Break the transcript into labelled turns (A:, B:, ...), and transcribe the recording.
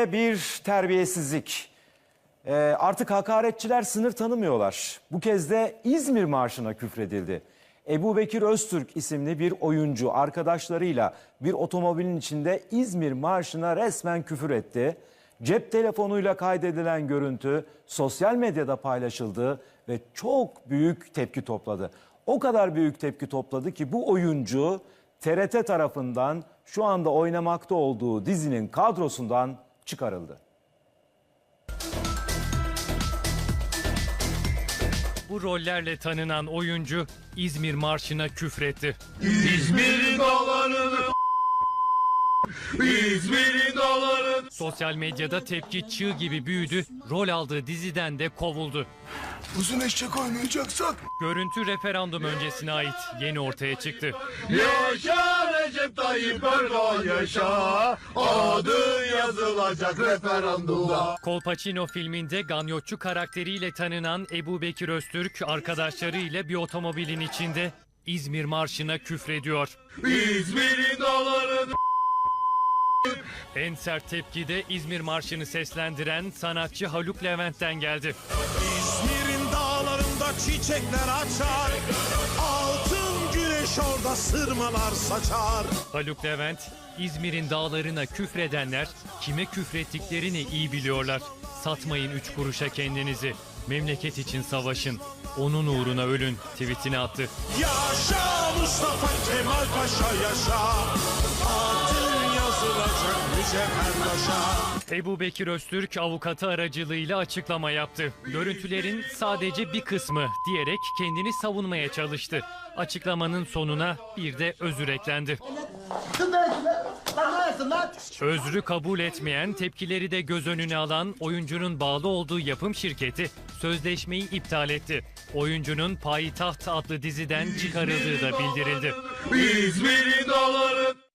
A: Bir terbiyesizlik. Artık hakaretçiler sınır tanımıyorlar. Bu kez de İzmir Marşı'na küfredildi. Ebubekir Öztürk isimli bir oyuncu arkadaşlarıyla bir otomobilin içinde İzmir Marşı'na resmen küfür etti. Cep telefonuyla kaydedilen görüntü sosyal medyada paylaşıldı ve çok büyük tepki topladı. O kadar büyük tepki topladı ki bu oyuncu TRT tarafından şu anda oynamakta olduğu dizinin kadrosundan çıkarıldı.
B: Bu rollerle tanınan oyuncu İzmir Marşı'na küfretti.
C: İzmir'in dağlarını İzmir'in dağlarını.
B: Sosyal medyada tepki çığ gibi büyüdü, rol aldığı diziden de kovuldu.
C: Uzun eşek oynayacaksak.
B: Görüntü referandum öncesine ait, yeni ortaya çıktı.
C: Yaşa Recep Tayyip Erdoğan yaşa. Adın yazılacak referandumda.
B: Kolpaçino filminde ganyotçu karakteriyle tanınan Ebubekir Öztürk arkadaşlarıyla bir otomobilin içinde İzmir Marşı'na küfrediyor.
C: İzmir'in dağlarını.
B: En sert tepki de İzmir Marşı'nı seslendiren sanatçı Haluk Levent'ten geldi.
D: İzmir'in dağlarında çiçekler açar, altın güneş orada sırmalar saçar.
B: Haluk Levent, İzmir'in dağlarına küfredenler kime küfrettiklerini iyi biliyorlar. Satmayın 3 kuruşa kendinizi. Memleket için savaşın. Onun uğruna ölün tweetini attı.
D: Yaşa Mustafa Kemal Paşa yaşa, adın yazılacak mücevher taşa.
B: Ebubekir Öztürk avukatı aracılığıyla açıklama yaptı. Görüntülerin sadece bir kısmı diyerek kendini savunmaya çalıştı. Açıklamanın sonuna bir de özür eklendi. Özrü kabul etmeyen, tepkileri de göz önüne alan oyuncunun bağlı olduğu yapım şirketi sözleşmeyi iptal etti. Oyuncunun Payitaht adlı diziden çıkarıldığı da bildirildi.
C: İzmir'in dağları.